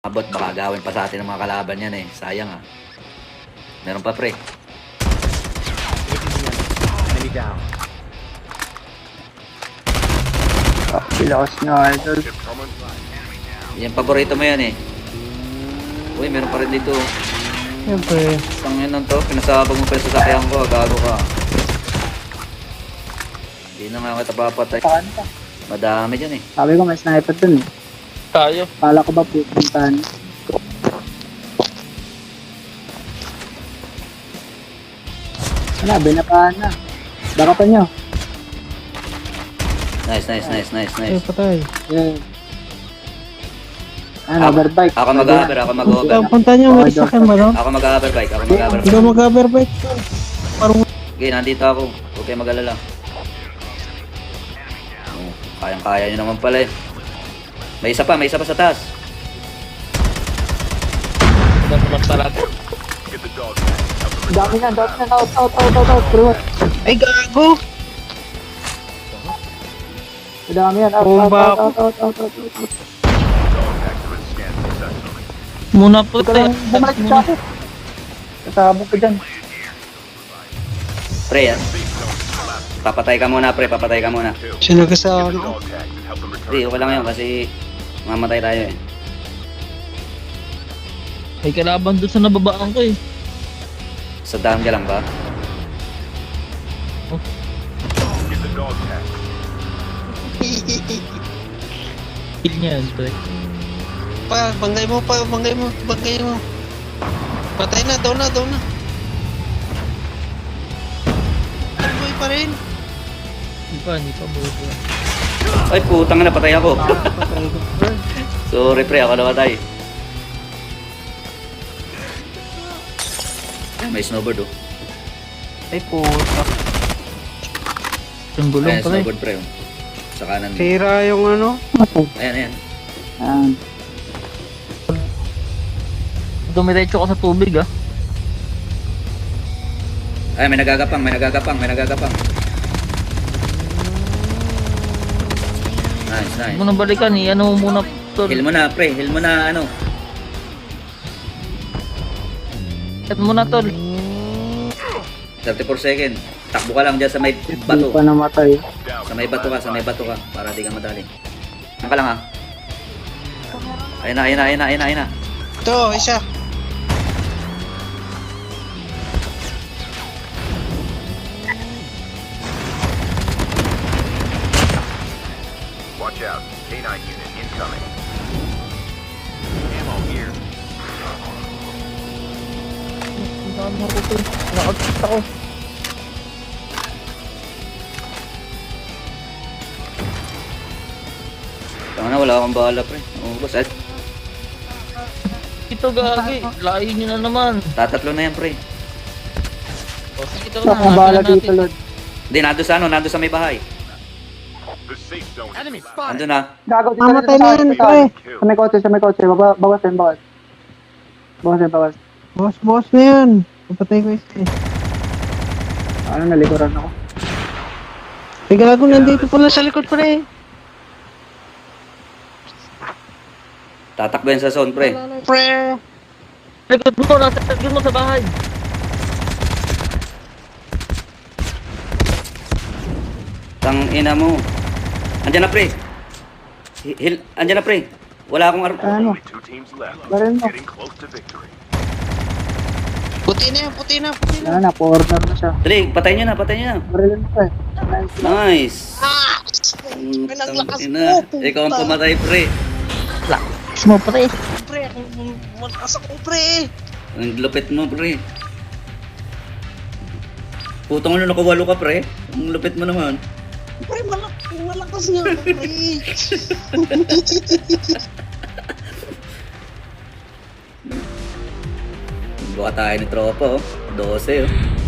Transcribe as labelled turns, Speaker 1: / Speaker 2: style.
Speaker 1: Abot, baka gawin pa sa atin ng mga kalaban yan eh. Sayang ah. Meron pa pre.
Speaker 2: Pilakas na idol.
Speaker 1: Yan, paborito mo yan eh. Uy, meron pa rin dito.
Speaker 2: Siyempre.
Speaker 1: Isang yun lang to. Pinasabag mo pa yung sasakyan ko. Gago ka. Hindi na nga kita papatay.
Speaker 2: Saan ka?
Speaker 1: Madami dyan eh.
Speaker 2: Sabi ko may sniper dun eh.
Speaker 3: Tayo.
Speaker 2: Kala ko ba pupuntahan? Wala, binapahan na. Baka pa nyo.
Speaker 1: Nice.
Speaker 4: Patay.
Speaker 2: Yeah. Overbike.
Speaker 1: Ako mag-hover.
Speaker 4: Punta niyo, may sakyan ba no?
Speaker 1: Ako mag-hoverbike.
Speaker 4: Hindi ka mag-overbike. Parang
Speaker 1: Okay, nandito ako. Huwag kayo mag-alala. Oh, kayang-kaya nyo naman pala eh. May isa pa sa taas.
Speaker 3: Naman talaga.
Speaker 2: Dami na. Out. Bro.
Speaker 4: ay gago.
Speaker 2: Dami yan.
Speaker 4: Bomba ako.
Speaker 2: Out.
Speaker 4: Muna po
Speaker 2: Ito
Speaker 4: tayo.
Speaker 2: lang bumalik sa akin. Kasabog ko dyan.
Speaker 1: Pre, yan. Papatay ka muna, pre. Papatay ka muna.
Speaker 4: Sino ka sa ano?
Speaker 1: Hindi, okay lang yun kasi mamatay tayo eh.
Speaker 3: May kalaban doon sa nababaan ko eh.
Speaker 1: Sa dam ka lang ba?
Speaker 3: Kill niya yan, pre.
Speaker 4: Banggay mo. Patay na, daw na. Buhay pa rin.
Speaker 3: Hindi pa buo.
Speaker 1: Ay, putang na, patay ako.
Speaker 4: Patay ko.
Speaker 1: Sorry, pre. Ako namatay. Ay, may snowboard oh.
Speaker 4: Ay puta.
Speaker 3: Yung gulong
Speaker 1: Ayan,
Speaker 3: pala eh.
Speaker 1: snowboard, pre. Oh. Sa kanan.
Speaker 4: Sira yung ano.
Speaker 1: Ayan.
Speaker 3: Dumiretso ka sa tubig ah.
Speaker 1: Ay, may nagagapang. Nice.
Speaker 3: Huwag mo nang balikan eh. Ano mo muna tol.
Speaker 1: Heal mo na, pre. Heal mo na, ano.
Speaker 3: Set mo na tol.
Speaker 1: 34 seconds. Takbo ka lang dyan sa may bato.
Speaker 2: Hindi pa namatay.
Speaker 1: Sa may bato ka. Para di ka madali. Ano ka lang ha? Ayun na.
Speaker 4: Ito, isa.
Speaker 5: Watch out. K9 unit incoming. Ammo here.
Speaker 3: Ang dami ako to. Naka-out ako.
Speaker 1: Tama na, wala akong bala pre. Boss,
Speaker 3: Ito gagi. Layo nyo na naman.
Speaker 1: tatatlo na yan pre.
Speaker 3: O sige ito
Speaker 2: Sa
Speaker 3: na.
Speaker 2: bala
Speaker 3: Natin
Speaker 2: dito, Lord.
Speaker 1: Hindi, nando sa may bahay.
Speaker 5: The safe zone. Enemy spotted.
Speaker 1: Ando na.
Speaker 2: Gago, dito
Speaker 4: Mamatay na yan, pre.
Speaker 2: Sa may kotse. Bawas.
Speaker 4: Boss na yan. Papatay ko isa eh.
Speaker 2: Ano, nalikuran ako.
Speaker 4: Ay gago, nandito pala sa likod pre.
Speaker 1: Tatakbo yan sa zone pre.
Speaker 4: Pre.
Speaker 3: Likod mo. Nasa likod mo sa bahay.
Speaker 1: Tang ina mo. Andiyan na pre. Andiyan na pre. Wala akong
Speaker 2: Ano?
Speaker 5: Only 2 teams left.
Speaker 2: Baril mo.
Speaker 5: Getting close to victory.
Speaker 4: Puti na.
Speaker 2: Ano na, corner na siya.
Speaker 1: Dali, patay nyo na.
Speaker 2: Barilin ko eh.
Speaker 1: Nice.
Speaker 4: May naglakas
Speaker 1: Ina,
Speaker 4: mo.
Speaker 1: ikaw ang pumatay pre.
Speaker 3: Lakas mo pre.
Speaker 4: Pre, malakas ako pre.
Speaker 1: Ang lupit mo pre. Putong ano, nakawalo ka pre. Ang lupit mo naman.
Speaker 4: Pre, malakas nga ako pre.
Speaker 1: Buka tayo ni tropa oh. 12 oh.